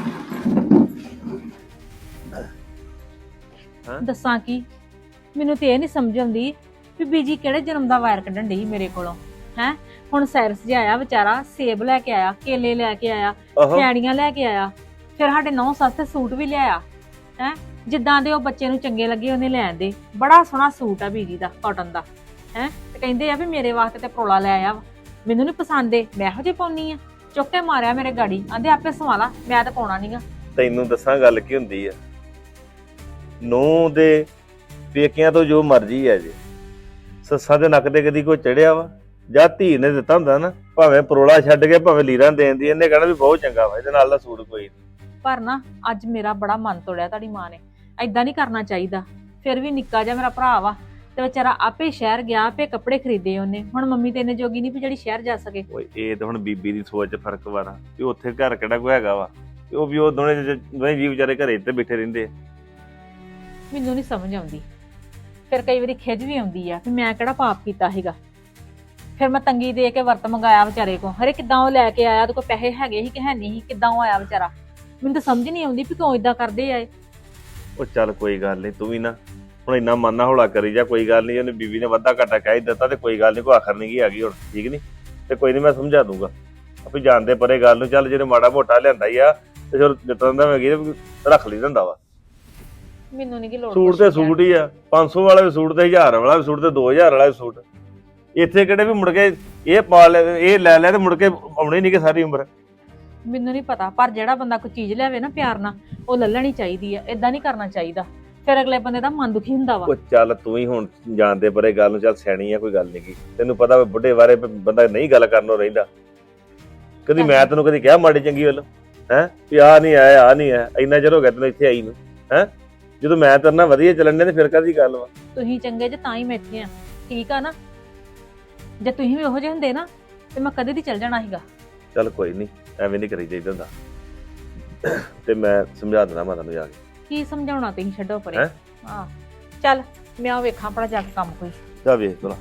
ਦੱਸਾਂ ਕੀ, ਮੈਨੂੰ ਤੇ ਇਹ ਨਹੀਂ ਸਮਝ ਆਉਂਦੀ ਵੀ ਬੀਜੀ ਕਿਹੜੇ ਜਨਮ ਦਾ ਵਾਇਰ ਕੱਢਣ ਡਈ ਮੇਰੇ ਕੋਲੋਂ ਹੈ। ਹੁਣ ਸਾਇਰਸ ਜਿਹਾ ਆਇਆ ਵਿਚਾਰਾ, ਸੇਬ ਲੈ ਕੇ ਆਇਆ, ਕੇਲੇ ਲੈ ਕੇ ਆਇਆ, ਆਹੋ ਖੈੜੀਆਂ ਲੈ ਕੇ ਆਇਆ, ਫਿਰ ਸਾਡੇ ਨੌ ਸੱਸ ਤੇ ਸੂਟ ਵੀ ਲਿਆਇਆ ਹੈ। ਜਿੱਦਾਂ ਦੇ ਉਹ ਬੱਚੇ ਨੂੰ ਚੰਗੇ ਲੱਗੇ ਉਹਨੇ ਲੈ ਆਂਦੇ। ਬੜਾ ਸੋਹਣਾ ਸੂਟ ਆ ਬੀਜੀ ਦਾ, ਕਾਟਨ ਦਾ ਹੈ। ਤੇ ਕਹਿੰਦੇ ਆ ਵੀ ਮੇਰੇ ਵਾਸਤੇ ਤੇ ਪਰੋਲਾ ਲੈ ਆਇਆ ਵਾ। ਮੈਨੂੰ ਨਹੀਂ ਪਸੰਦ ਏ, ਮੈਂ ਇਹੋ ਜਿਹੀ ਪਾਉਣੀ ਆ। ਚੁੱਕ ਕੇ ਮਾਰਿਆ ਮੇਰੇ ਗਾੜੀ, ਆਂਦੇ ਆਪੇ ਸਵਾਲਾ, ਮੈਂ ਤਾਂ ਪਾਉਣਾ ਨਹੀਂਗਾ। ਤੈਨੂੰ ਦੱਸਾਂ ਗੱਲ ਕੀ ਹੁੰਦੀ ਆ, ਨੂੰਹ ਦੇ ਪੇਕਿਆਂ ਤੋਂ ਜੋ ਮਰਜ਼ੀ ਆ ਜੇ, ਸੱਸਾਂ ਦੇ ਨੱਕ ਤੇ ਕਦੀ ਕੋਈ ਚੜਿਆ ਵਾ? ਜਾਂ ਧੀ ਨੇ ਦਿੱਤਾ ਹੁੰਦਾ ਨਾ, ਭਾਵੇਂ ਪਰੋਲਾ ਛੱਡ ਕੇ ਭਾਵੇਂ ਲੀਰਾਂ ਦੇਣ ਦੀ, ਇਹਨੇ ਕਹਿਣਾ ਵੀ ਬਹੁਤ ਚੰਗਾ ਵਾ, ਇਹਦੇ ਨਾਲ ਦਾ ਸੂਟ ਕੋਈ ਨਹੀਂ। ਪਰ ਨਾ ਅੱਜ ਮੇਰਾ ਬੜਾ ਮਨ ਤੋੜਿਆ ਤੁਹਾਡੀ ਮਾਂ ਨੇ। ਐਦਾਂ ਨਹੀਂ ਕਰਨਾ ਚਾਹੀਦਾ। ਫਿਰ ਵੀ ਨਿੱਕਾ ਜਿਹਾ ਮੇਰਾ ਭਰਾ ਵਾ ਤੇ ਵਿਚਾਰਾ ਆਪੇ ਸ਼ਹਿਰ ਗਿਆ, ਆਪੇ ਕੱਪੜੇ ਖਰੀਦੇ ਉਹਨੇ। ਹੁਣ ਮੰਮੀ ਤੇ ਇੰਨੇ ਜੋਗੀ ਨਹੀਂ ਵੀ ਜਿਹੜੀ ਸ਼ਹਿਰ ਜਾ ਸਕੇ। ਓਏ ਇਹ ਤਾਂ ਹੁਣ ਬੀਬੀ ਦੀ ਸੋਚ 'ਚ ਫਰਕ ਵਾ ਨਾ, ਵੀ ਉੱਥੇ ਘਰ ਕਿਹੜਾ ਕੋਈ ਹੈਗਾ ਵਾ, ਤੇ ਉਹ ਵੀ ਉਹ ਦੋਨੇ ਦੋਨੇ ਜੀ ਵਿਚਾਰੇ ਘਰੇ ਤੇ ਬੈਠੇ ਰਹਿੰਦੇ ਆ। ਮੈਨੂੰ ਨਹੀਂ ਸਮਝ ਆਉਂਦੀ। ਫਿਰ ਕਈ ਵਾਰੀ ਖਿਜ ਵੀ ਆਉਂਦੀ ਆ ਵੀ ਮੈਂ ਕਿਹੜਾ ਪਾਪ ਕੀਤਾ ਸੀਗਾ। ਫਿਰ ਮੈਂ ਤੰਗੀ ਦੇ ਕੇ ਵਰਤ ਮੰਗਾਇਆ ਵਿਚਾਰੇ ਕੋ। ਹਰੇ ਕਿੱਦਾਂ ਉਹ ਲੈ ਕੇ ਆਇਆ, ਉਹਦੇ ਕੋਲ ਪੈਸੇ ਹੈਗੇ ਸੀ ਕਿ ਹੈ ਨਹੀਂ ਸੀ, ਕਿੱਦਾਂ ਉਹ ਆਇਆ ਵਿਚਾਰਾ। ਮੈਨੂੰ ਤਾਂ ਸਮਝ ਨਹੀਂ ਆਉਂਦੀ ਵੀ ਕਿਉਂ ਇਦਾਂ ਕਰਦੇ ਆ ਇਹ। ਉਹ ਚੱਲ ਕੋਈ ਗੱਲ ਨਹੀਂ, ਤੂੰ ਵੀ ਨਾ ਹੁਣ ਇੰਨਾ ਮਨ ਨਾ ਹੌਲਾ ਕਰੀ ਜਾ। ਕੋਈ ਗੱਲ ਨਹੀਂ, ਉਹਨੇ ਬੀਬੀ ਨੇ ਵਾਧਾ ਘਾਟਾ ਕਹਿ ਹੀ ਦਿੱਤਾ ਤੇ ਕੋਈ ਗੱਲ ਨਹੀਂ, ਕੋਈ ਆਖਰ ਨਹੀਂ ਕੀ ਆ ਗਈ ਹੁਣ, ਠੀਕ ਨਹੀਂ? ਤੇ ਕੋਈ ਨਹੀਂ, ਮੈਂ ਸਮਝਾ ਦੂੰਗਾ ਆਪੇ। ਜਾਣਦੇ ਪਰੇ ਗੱਲ ਨੂੰ। ਚੱਲ ਜਿਹਨੇ ਮਾੜਾ ਮੋਟਾ ਲਿਆਂਦਾ ਹੀ ਆ ਤੇ ਚਲ ਜਿੱਤਾਂ ਦਾ ਮੈਂ ਗਈ ਰੱਖ ਲਈ ਦਿੰਦਾ ਵਾ। ਮੈਨੂੰ ਨਹੀਂ ਕਿ ਲੋੜ ਸੂਟ ਤੇ ਸੂਟ ਹੀ ਆ, ਪੰਜ ਸੌ ਵਾਲਾ ਵੀ ਸੂਟ ਤੇ ਹਜ਼ਾਰ ਵਾਲਾ ਵੀ ਸੂਟ ਤੇ ਦੋ ਹਜ਼ਾਰ ਵਾਲਾ ਵੀ ਸੂਟ। ਇੱਥੇ ਕਿਹੜੇ ਵੀ ਮੁੜ ਕੇ ਇਹ ਪਾ ਲੈ, ਇਹ ਲੈ ਲੈ ਤੇ ਮੁੜ ਕੇ ਆਉਣੇ ਨਹੀਂ ਕਿ ਸਾਰੀ ਉਮਰ। ਮੈਨੂੰ ਨਹੀਂ ਪਤਾ, ਪਰ ਜਿਹੜਾ ਬੰਦਾ ਕੋਈ ਚੀਜ਼ ਲਿਆਵੇ ਨਾ ਪਿਆਰ ਨਾਲ, ਉਹ ਲੈ ਲੈਣੀ ਚਾਹੀਦੀ ਆ। ਇਦਾਂ ਨਹੀਂ ਕਰਨਾ ਚਾਹੀਦਾ, ਫਿਰ ਅਗਲੇ ਬੰਦੇ ਦਾ ਮਨ ਦੁਖੀ ਹੁੰਦਾ ਵਾ। ਉਹ ਚੱਲ ਤੂੰ ਹੀ ਹੁਣ ਜਾਣਦੇ ਪਰੇ ਗੱਲ ਨੂੰ, ਚੱਲ ਸਿਆਣੀ ਆ, ਕੋਈ ਗੱਲ ਨਹੀਂ ਗੀ। ਤੈਨੂੰ ਪਤਾ ਵਾ ਬੁੱਢੇ ਬਾਰੇ ਬੰਦਾ ਨਹੀਂ ਗੱਲ ਕਰਨੋਂ ਰਹਿੰਦਾ। ਕਦੀ ਮੈਂ ਤੈਨੂੰ ਕਦੀ ਕਿਹਾ ਮਾੜੀ ਚੰਗੀ ਵੱਲ ਹੈ ਵੀ ਆਹ ਨਹੀਂ ਆਇਆ, ਆਹ ਨਹੀਂ ਆਇਆ? ਇੰਨਾ ਚਿਰ ਹੋ ਗਿਆ ਤੈਨੂੰ ਇੱਥੇ ਆਈ ਨੂੰ ਹੈ। ਜਦੋਂ ਮੈਂ ਤੇਰੇ ਨਾਲ ਵਧੀਆ ਚੱਲਣ ਦੇ ਤੇ ਫਿਰ ਕਾਹਦੀ ਗੱਲ ਵਾ? ਤੁਸੀਂ ਚੰਗੇ ਜੇ ਤਾਂ ਹੀ ਮੈਂ ਇੱਥੇ ਆ, ਠੀਕ ਆ ਨਾ? ਜੇ ਤੁਸੀਂ ਵੀ ਉਹੋ ਜਿਹੇ ਹੁੰਦੇ ਨਾ ਤੇ ਮੈਂ ਕਦੇ ਦੀ ਚੱਲ ਜਾਣਾ ਸੀਗਾ। ਚੱਲ ਕੋਈ ਨਹੀਂ, ਐਵੇਂ ਨਹੀਂ ਕਰੀ ਜਾਈਦਾ ਹੁੰਦਾ। ਤੇ ਮੈਂ ਸਮਝਾ ਦੇਣਾ ਮਾਤਾ ਨੂੰ ਜਾ ਕੇ। ਕੀ ਸਮਝਾਉਣਾ, ਤੁਸੀਂ ਛੱਡੋ ਪਰੇ। ਹੈਂ? ਹਾਂ ਚੱਲ ਮੈਂ ਉਹ ਵੇਖਾਂ ਆਪਣਾ ਜਾ ਕੇ ਕੰਮ ਕੋਈ। ਜਾ ਵੇਖ ਭਲਾ।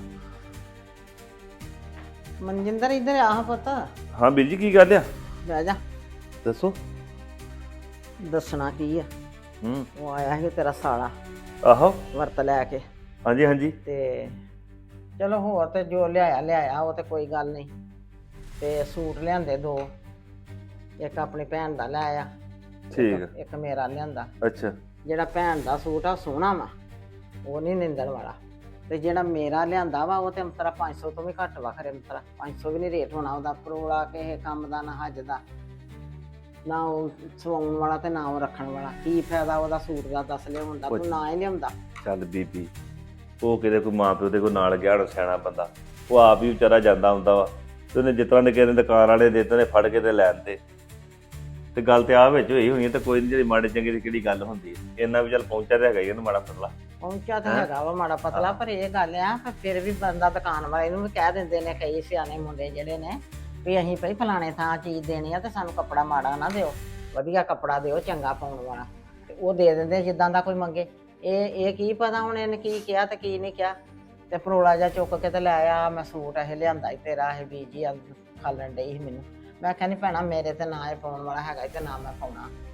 ਮਨਜਿੰਦਰ ਇੱਧਰ ਆਹ ਪੁੱਤ, ਹਾਂ ਵੀਰ ਜੀ, ਕੀ ਗੱਲ ਆ? ਬਹਿ ਜਾ। ਦੱਸੋ। ਦੱਸਣਾ ਕੀ ਆ, ਹੂੰ। ਉਹ ਆਇਆ ਸੀ ਤੇਰਾ ਸਾਲਾ ਆਹੋ। ਵਰਤ ਲੈ ਕੇ। ਹਾਂਜੀ ਹਾਂਜੀ। ਤੇ ਚਲੋ ਹੋਰ ਤੇ ਜੋ ਲਿਆਇਆ ਲਿਆਇਆ, ਉਹ ਤੇ ਕੋਈ ਗੱਲ ਨਹੀਂ। ਤੇ ਸੂਟ ਲਿਆਂਦੇ ਦੋ, ਇੱਕ ਆਪਣੀ ਭੈਣ ਦਾ ਲੈ ਆਇਆ, ਠੀਕ ਆ। ਇੱਕ ਮੇਰਾ ਲਿਆਂਦਾ। ਅੱਛਾ। ਜਿਹੜਾ ਭੈਣ ਦਾ ਸੂਟ ਆ ਸੋਹਣਾ ਵਾ, ਉਹ ਨਹੀਂ ਨਿੰਦਣ ਵਾਲਾ। ਤੇ ਜਿਹੜਾ ਮੇਰਾ ਲਿਆਂਦਾ ਵਾ ਉਹ ਤੇ ਅੰਤਰਾ ਪੰਜ ਸੌ ਤੋਂ ਵੀ ਘੱਟ ਵਾ। ਖਰੇ ਅੰਤਰਾ ਪੰਜ ਸੌ ਵੀ ਨਹੀਂ ਰੇਟ ਹੋਣਾ ਉਹਦਾ। ਪਰੋਲਾ ਕਿਸੇ ਕੰਮ ਦਾ ਨਾ, ਹੱਜ ਦਾ ਨਾ, ਉਹ ਸਵਾਉਣ ਵਾਲਾ ਤੇ ਨਾ ਉਹ ਰੱਖਣ ਵਾਲਾ। ਕੀ ਫਾਇਦਾ ਉਹਦਾ ਸੂਟ ਦਾ ਦੱਸ ਲਿਆਉਣ ਦਾ, ਤੂੰ ਨਾ ਹੀ ਲਿਆਉਂਦਾ। ਚੱਲ ਬੀਬੀ, ਉਹ ਕਿਤੇ ਕੋਈ ਮਾਂ ਪਿਓ ਦੇ ਕੋਈ ਨਾਲ ਗਿਆ ਹੋਣਾ ਸਿਆਣਾ ਬੰਦਾ, ਉਹ ਆਪ ਹੀ ਵਿਚਾਰਾ ਜਾਂਦਾ ਹੁੰਦਾ ਵਾ। ਤੇ ਉਹਨੇ ਜਿਸ ਤਰ੍ਹਾਂ ਦੇ ਕਿਸੇ ਨੇ ਦੁਕਾਨ ਵਾਲੇ ਦੇ ਦਿੱਤੇ ਨੇ ਫੜ ਕੇ ਤੇ ਲੈਣ ਤੇ ਤੇ ਗੱਲ ਤੇ ਆ ਵਿੱਚ ਹੋਈ ਹੋਣੀ ਤੇ ਕੋਈ ਨਹੀਂ, ਜਿਹੜੀ ਮਾੜੇ ਚੰਗੇ ਦੀ ਕਿਹੜੀ ਗੱਲ ਹੁੰਦੀ ਹੈ। ਇੰਨਾ ਵੀ ਚੱਲ ਪਹੁੰਚਿਆ ਤੇ ਹੈਗਾ ਹੀ ਇਹਨੂੰ ਮਾੜਾ ਪਤਲਾ। ਪਹੁੰਚਾ ਤਾਂ ਹੈਗਾ ਵਾ ਮਾੜਾ ਪਤਲਾ, ਪਰ ਇਹ ਗੱਲ ਆ ਪਰ ਫਿਰ ਵੀ ਬੰਦਾ ਦੁਕਾਨ ਵਾਲੇ ਨੂੰ ਵੀ ਕਹਿ ਦਿੰਦੇ ਨੇ ਕਈ ਸਿਆਣੇ ਮੁੰਡੇ ਜਿਹੜੇ ਨੇ ਵੀ ਅਸੀਂ ਭਈ ਫਲਾਣੇ ਥਾਂ ਚੀਜ਼ ਦੇਣੀ ਆ ਤੇ ਸਾਨੂੰ ਕੱਪੜਾ ਮਾੜਾ ਨਾ ਦਿਓ, ਵਧੀਆ ਕੱਪੜਾ ਦਿਓ ਚੰਗਾ ਪਾਉਣ ਵਾਲਾ। ਤੇ ਉਹ ਦੇ ਦਿੰਦੇ ਜਿੱਦਾਂ ਦਾ ਕੋਈ ਮੰਗੇ। ਇਹ ਇਹ ਕੀ ਪਤਾ ਹੁਣ ਇਹਨੇ ਕੀ ਕਿਹਾ ਤੇ ਕੀ ਨਹੀਂ ਕਿਹਾ। ਤੇ ਪਰੋਲਾ ਜਿਹਾ ਚੁੱਕ ਕੇ ਤੇ ਲੈ ਆ, ਮੈਂ ਸੂਟ ਇਹ ਲਿਆਂਦਾ ਸੀ ਤੇਰਾ, ਇਹ ਬੀਜੀ ਖਾਲਣ ਡਈ ਸੀ ਮੈਨੂੰ। ਮੈਂ ਕਹਿੰਦੀ ਭੈਣਾ ਮੇਰੇ ਤੇ ਨਾ ਇਹ ਪਾਉਣ ਵਾਲਾ ਹੈਗਾ ਤੇ ਨਾ ਮੈਂ ਪਾਉਣਾ।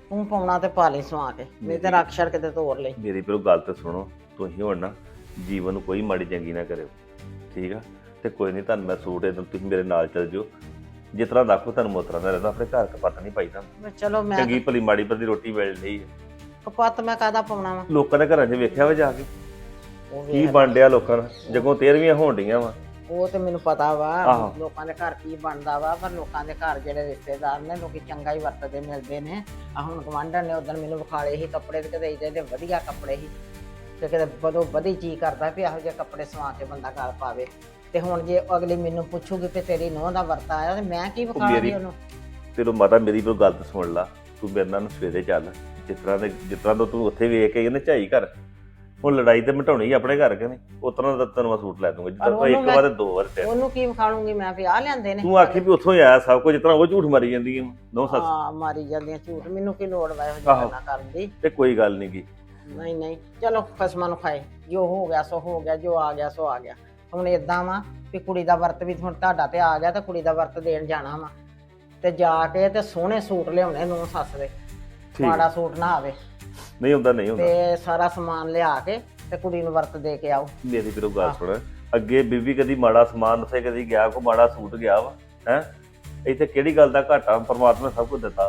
ਤੂੰ ਪਾਉਣਾ ਤੇ ਪਾ ਲਈ ਸਵਾ ਕੇ, ਨਹੀਂ ਤੇ ਰੱਖ ਛੜ ਕਿਤੇ ਤੋੜ ਲਈ। ਮੇਰੀ ਪਰ ਗੱਲ ਤੇ ਸੁਣੋ, ਤੁਸੀਂ ਹੁਣ ਨਾ ਜੀਵਨ ਨੂੰ ਕੋਈ ਮਾੜੀ ਚੰਗੀ ਨਾ ਕਰਿਓ, ਠੀਕ ਆ? ਤੇ ਕੋਈ ਨਹੀਂ, ਤੁਹਾਨੂੰ ਮੈਂ ਸੂਟ ਇਹਨੂੰ ਤੁਸੀਂ ਮੇਰੇ ਨਾਲ ਚੱਲ ਜਿਓ, ਜਿਸ ਤਰ੍ਹਾਂ ਰੱਖੋ ਤੁਹਾਨੂੰ ਮੋਤਰਾ ਦਾ ਰਹਿੰਦਾ, ਆਪਣੇ ਘਰ ਕਪੱਤ ਨਹੀਂ ਪਾਈਦਾ। ਮੈਂ ਚਲੋ ਮੈਂ ਚੰਗੀ ਭਲੀ ਮਾੜੀ ਭਲੀ ਰੋਟੀ ਮਿਲ ਰਹੀ ਹੈ। ਕਪੱਤ ਮੈਂ ਕਾਹਦਾ ਪਾਉਣਾ ਵਾ? ਲੋਕਾਂ ਦੇ ਘਰਾਂ 'ਚ ਵੇਖਿਆ ਵਾ ਜਾ ਕੇ ਉਹ ਕੀ ਵੇਖ, ਬਣ ਡਿਆ ਲੋਕਾਂ ਦਾ, ਜਗੋਂ ਤੇਰਵੀਆਂ ਹੋਣ ਡੀਆਂ ਵਾ। ਉਹ ਤੇ ਮੈਨੂੰ ਪਤਾ ਵਾ ਆਹੋ। ਲੋਕਾਂ ਦੇ ਘਰ ਕੀ ਬਣਦਾ ਵਾ, ਪਰ ਲੋਕਾਂ ਦੇ ਘਰ ਜਿਹੜੇ ਰਿਸ਼ਤੇਦਾਰ ਨੇ ਲੋਕੀ ਚੰਗਾ ਹੀ ਵਰਤਦੇ ਮਿਲਦੇ ਨੇ। ਆ ਹੁਣ ਗਵਾਂਢਣ ਨੇ ਉਦੋਂ ਮੈਨੂੰ ਵਿਖਾਲੇ ਸੀ ਕੱਪੜੇ, ਤੇ ਕਿਤੇ ਇਹਦੇ ਵਧੀਆ ਕੱਪੜੇ ਸੀ, ਤੇ ਕਿਤੇ ਬਦੋ ਵਧੀ ਚੀਜ਼ ਕਰਦਾ ਵੀ ਇਹੋ ਜਿਹੇ ਕੱਪੜੇ ਸਵਾ ਕੇ ਬੰਦਾ ਘਰ ਪਾਵੇ। ਤੇ ਹੁਣ ਜੇ ਅਗਲੀ ਮੈਨੂੰ ਪੁੱਛੂਗੀ ਕਿ ਤੇਰੀ ਨੂੰਹ ਦਾ ਵਰਤਾ ਆਇਆ, ਤੇ ਮੈਂ ਕੀ ਵਿਖਾਵਾਂਗੀ ਮੇਰੀ- ਉਹਨੂੰ? ਤੈਨੂੰ ਮਾਤਾ ਮੇਰੀ ਕੋਈ ਗੱਲ ਤਾਂ ਸੁਣ ਲਾ, ਤੂੰ ਮੇਰੇ ਨਾਲ ਸਵੇਰੇ ਚੱਲ, ਜਿਸ ਤਰ੍ਹਾਂ ਦੇ ਜਿਸ ਤਰ੍ਹਾਂ ਦਾ ਤੂੰ ਉੱਥੇ ਵੇਖ ਕੇ ਇਹਨੇ ਝਾਈ ਘਰ, ਹੁਣ ਲੜਾਈ ਤੇ ਮਿਟਾਉਣੀ ਆਪਣੇ ਘਰ ਕੇ ਨਹੀਂ, ਉਸ ਤਰ੍ਹਾਂ ਦਾ ਤੈਨੂੰ ਮੈਂ ਸੂਟ ਲੈ ਦੂੰਗਾ, ਜਿੱਦਾਂ ਤੂੰ ਇੱਕ ਉਹਨੂੰ ਵਾਰ ਤੇ ਦੋ ਵਾਰ ਤੇ ਉਹਨੂੰ ਕੀ ਵਿਖਾਲੂੰਗੀ ਮੈਂ ਵੀ ਆਹ ਲਿਆਂਦੇ ਨੇ? ਤੂੰ ਆਖੀ ਵੀ ਉੱਥੋਂ ਹੀ ਆਇਆ ਸਭ ਕੁਝ, ਜਿਸ ਤਰ੍ਹਾਂ ਉਹ ਝੂਠ ਮਾਰੀ ਜਾਂਦੀ ਹੈ ਨੋ ਸੱਸ। ਹਾਂ, ਮਾਰੀ ਜਾਂਦੀਆਂ ਝੂਠ, ਮੈਨੂੰ ਕੀ ਲੋੜ ਵਾ ਇਹੋ ਜਿਹੀਆਂ ਆਹੋ। ਗੱਲਾਂ ਕਰਨ ਦੀ? ਤੇ ਕੋਈ ਗੱਲ ਨਹੀਂ ਗੀ। ਨਹੀਂ ਨਹੀਂ, ਚਲੋ ਖਸਮਾਂ ਨੂੰ ਖਾਏ, ਜੋ ਹੋ ਗਿਆ ਸੋ ਹੋ ਗਿਆ, ਜੋ ਆ ਗਿਆ ਸੋ ਆ ਗਿਆ। ਹੁਣ ਏਦਾਂ ਵਾ ਵੀ ਕੁੜੀ ਦਾ ਵਰਤ ਵੀ ਹੁਣ ਤੁਹਾਡਾ ਤੇ ਆ ਗਿਆ, ਤੇ ਕੁੜੀ ਦਾ ਵਰਤ ਦੇਣ ਜਾਣਾ ਵਾ, ਤੇ ਜਾ ਕੇ ਤੇ ਸੋਹਣੇ ਸੂਟ ਲਿਆਉਣੇ ਨੂੰ ਸੱਸ ਦੇ, ਠੀਕ ਮਾੜਾ ਸੂਟ ਨਾ ਆਵੇ, ਨਹੀਂ ਹੁੰਦਾ, ਨਹੀਂ ਹੁੰਦਾ। ਤੇ ਸਾਰਾ ਸਮਾਨ ਲਿਆ ਕੇ ਤੇ ਕੁੜੀ ਨੂੰ ਵਰਤ ਦੇ ਕੇ ਆਓ। ਮੇਰੀ ਵੀਰੋ ਗੱਲ ਸੁਣ, ਅੱਗੇ ਬੀਬੀ ਕਦੀ ਮਾੜਾ ਸਮਾਨ ਉੱਥੇ ਕਦੀ ਗਿਆ, ਕੋ ਮਾੜਾ ਸੂਟ ਗਿਆ ਵਾ ਹੈ? ਇੱਥੇ ਕਿਹੜੀ ਗੱਲ ਦਾ ਘਾਟਾ, ਪਰਮਾਤਮਾ ਨੇ ਸਭ ਕੁਝ ਦਿੱਤਾ।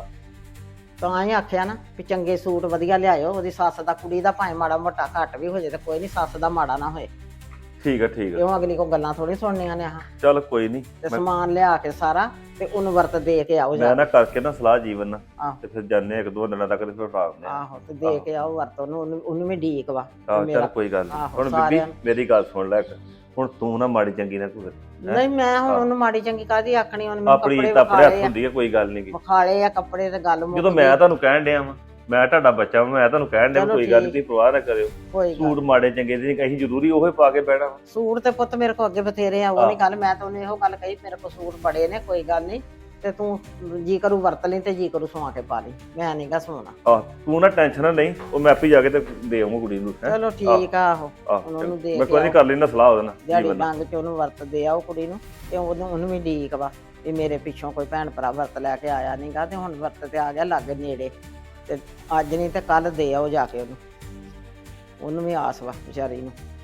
ਤਾਂ ਹੀ ਆਖਿਆ ਨਾ ਵੀ ਚੰਗੇ ਸੂਟ ਵਧੀਆ ਲਿਆਇਓ, ਉਹਦੀ ਸੱਸ ਦਾ ਕੁੜੀ ਦਾ ਭਾਵੇਂ ਮਾੜਾ ਮੋਟਾ ਘੱਟ ਵੀ ਹੋ ਜੇ ਤੇ ਕੋਈ ਨਹੀਂ, ਸੱਸ ਦਾ ਮਾੜਾ ਨਾ ਹੋਏ। ਠੀਕ ਆ ਠੀਕ ਆ, ਕਿਉਂ ਅਗਲੀ ਕੋ ਗੱਲਾਂ ਥੋੜੀ ਸੁਣਨੀਆਂ ਨੇ ਆਹ। ਚੱਲ ਕੋਈ ਨਹੀਂ, ਤੇ ਸਮਾਨ ਲਿਆ ਕੇ ਸਾਰਾ ਤੇ ਉਹਨੂੰ ਵਰਤ ਦੇ ਕੇ ਆਓ ਜਾ ਮੈਂ ਨਾ ਕਰਕੇ ਨਾ ਸਲਾਹ ਜੀਵਨ ਨਾਲ, ਆਹ। ਤੇ ਫਿਰ ਜਾਂਦੇ ਇੱਕ ਦੋ ਦਿਨਾਂ ਤੱਕ ਤੇ ਫਿਰ ਫਾੜਦੇ ਆ। ਆਹੋ, ਤੇ ਦੇ ਕੇ ਆਓ ਵਰਤ ਉਹਨੂੰ, ਉਹਨੂੰ ਉਹਨੂੰ ਵੀ ਢੀਕ ਵਾ ਆਹ ਮੇਰਾ- ਚੱਲ ਕੋਈ ਗੱਲ ਨਹੀਂ। ਆਹੋ, ਹੁਣ ਬੀਬੀ ਸਾਰਿਆਂ ਨੂੰ। ਮੇਰੀ ਗੱਲ ਸੁਣ ਲੈ ਇੱਕ, ਹੁਣ ਤੂੰ ਨਾ ਮਾੜੀ ਚੰਗੀ ਨਾ ਕੋਈ ਨਹੀਂ, ਮੈਂ ਹੁਣ ਉਹਨੂੰ ਮਾੜੀ ਚੰਗੀ ਕਾਹਦੀ ਆਖਣੀ, ਉਹਨੇ ਮੈਨੂੰ ਆਪਣੀ ਕੱਪੜੇ ਤਾਂ ਆਪਣੇ ਹੱਥ ਵਿਖਾਲੇ ਆ, ਹੁੰਦੀ ਹੈ, ਕੋਈ ਗੱਲ ਨਹੀਂ। ਵਿਖਾਲੇ ਆ ਕੱਪੜੇ ਤੇ ਗੱਲ ਮੁੱਕ ਜਦੋਂ ਗਈ। ਮੈਂ ਤੁਹਾਨੂੰ ਕਹਿਣ ਡਿਆ ਵਾਂ, ਮੈਂ ਤੁਹਾਡਾ ਬੱਚਾ ਵਾਂ, ਮੈਂ ਤੁਹਾਨੂੰ ਕਹਿਣ ਡਿਆ ਚਲੋ ਕੋਈ ਗੱਲ ਠੀਕ। ਨਹੀਂ, ਪਰਵਾਹ ਨਾ ਕਰਿਓ। ਕੋਈ ਗੱਲ ਸੂਟ ਮਾੜੇ ਚੰਗੇ ਦੀ ਨਹੀਂ, ਅਸੀਂ ਜ਼ਰੂਰੀ ਉਹੀ ਪਾ ਕੇ ਬਹਿਣਾ ਵਾ। ਸੂਟ ਤੇ ਪੁੱਤ ਮੇਰੇ ਕੋ ਅੱਗੇ ਬਥੇਰੇ ਆ, ਉਹ ਆਹ। ਨਹੀਂ ਗੱਲ, ਮੈਂ ਤਾਂ ਉਹਨੂੰ ਇਹੋ ਗੱਲ ਕਹੀ ਮੇਰੇ ਕੋ ਸੂਟ ਬੜੇ ਨੇ, ਕੋਈ ਗੱਲ ਨਹੀਂ, ਤੇ ਤੂੰ ਜੀ ਕਰੂ ਵਰਤ ਲਈ ਤੇ ਜੀ ਕਰੂ ਸਵਾ ਕੇ ਪਾ ਲਈ, ਮੈਂ ਨਹੀਂ ਗਾ ਸੋਣਾ। ਆਹ ਤੂੰ ਨਾ ਟੈਨਸ਼ਨ ਨਾ ਲਈ, ਉਹ ਮੈਂ ਆਪੇ ਜਾ ਕੇ ਤੇ ਦੇ ਆਉਂਗਾ ਕੁੜੀ ਨੂੰ। ਹੈਂ? ਚਲੋ ਠੀਕ ਆ, ਆਹੋ ਆਹ, ਹੁਣ ਉਹਨੂੰ ਦੇ ਮੈਂ ਕੇ ਕੋਈ ਨਹੀਂ ਆਓ। ਕਰ ਲੈਣਾ ਸਲਾਹ ਉਹਦੇ ਨਾਲ ਦਿਹਾੜੀ ਜੀਵਨ ਨਾਲ। ਡੰਗ ਚ ਉਹਨੂੰ ਵਰਤ ਦੇ ਆਓ ਕੁੜੀ ਨੂੰ, ਤੇ ਉਹਨੂੰ ਉਹਨੂੰ ਵੀ ਢੀਕ ਵਾ ਵੀ ਮੇਰੇ ਪਿੱਛੋਂ ਕੋਈ ਭੈਣ ਭਰਾ ਵਰਤ ਲੈ ਕੇ ਆਇਆ ਨਹੀਂਗਾ, ਤੇ ਹੁਣ ਵਰਤ ਤੇ ਆ ਗਿਆ ਲਾਗੇ ਨੇੜੇ, ਤੇ ਅੱਜ ਨਹੀਂ ਤੇ ਕੱਲ ਦੇ ਆਓ ਜਾ ਕੇ ਉਹਨੂੰ, ਉਹਨੂੰ ਵੀ ਆਸ ਵਾ ਵਿਚਾਰੀ ਨੂੰ।